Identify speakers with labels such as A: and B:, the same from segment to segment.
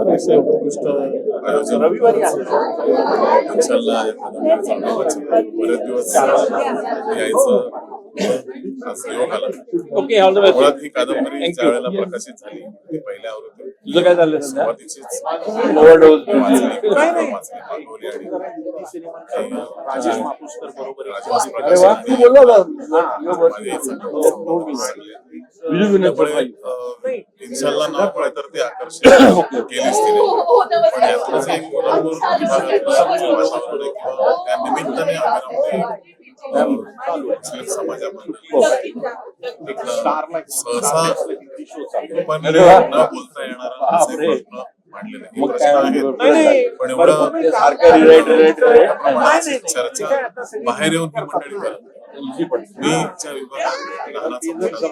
A: अतिशय उत्कृष्ट आयोजन इन्शाल्लाह या कादंबरीचं बरेच दिवस यायचं आज योग आला.
B: Okay, all the best.
A: मुळात ही कादंबरी ज्या वेळेला प्रकाशित झाली ती पहिल्या आवृत्तीत
B: तुझं काय चाललंय सध्या?
A: सुरुवातीचीच
B: ओव्हरडोस
A: वाचली मागवली आणि
C: राजेश मापुसकर बरोबर
A: राजेश
B: अरे
A: प्रकाशन
B: वा, तू बोलला होता.
A: माझ्या याचं त्यामुळे इन्शाल्लाह नाव कळे तर ते आकर्षित केलीच तिने. पण यातूनच एक कोल्हापूर विभागातलं वातावरण आहे किंवा त्या निमित्ताने आम्ही मुस्लिम समाजाबद्दल सहसा पण न बोलता येणारा असे प्रश्न मांडलेले हे प्रश्न आहेत. पण एवढं चर्चा बाहेर येऊन ही मंडळी करत मी ज्या विभागात लहानाचा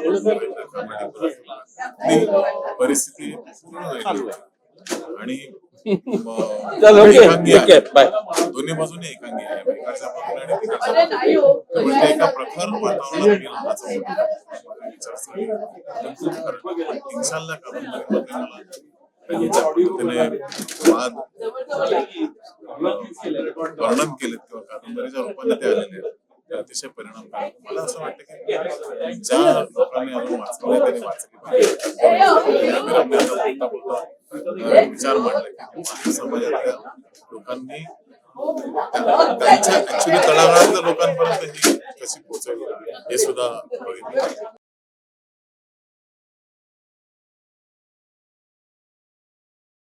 A: मोठा परिस्थिती पूर्ण आणि एकांगी आहे. दोन्ही बाजूने एकांगी आहे. एकाच्या बाजूने आणि तिकडच्या बाजूने. त्यामुळे ते एका प्रखर वातावरणात मी लहानाचा मोठा इन्शाल्लाह कादंबरीमध्ये मला ज्या पद्धतीने वाद वर्णन केलेत किंवा कादंबरीच्या रूपाने ते आलेले आहेत ते अतिशय परिणामकारक. मला असं वाटतं की ज्या लोकांनी अजून वाचलं त्यांनी वाचली पाहिजे. विचार मांडले की समाजातल्या लोकांनी त्यांच्या ऍक्च्युली तळागाळातल्या लोकांपर्यंत ही कशी पोहोचवली हे सुद्धा बघितलं.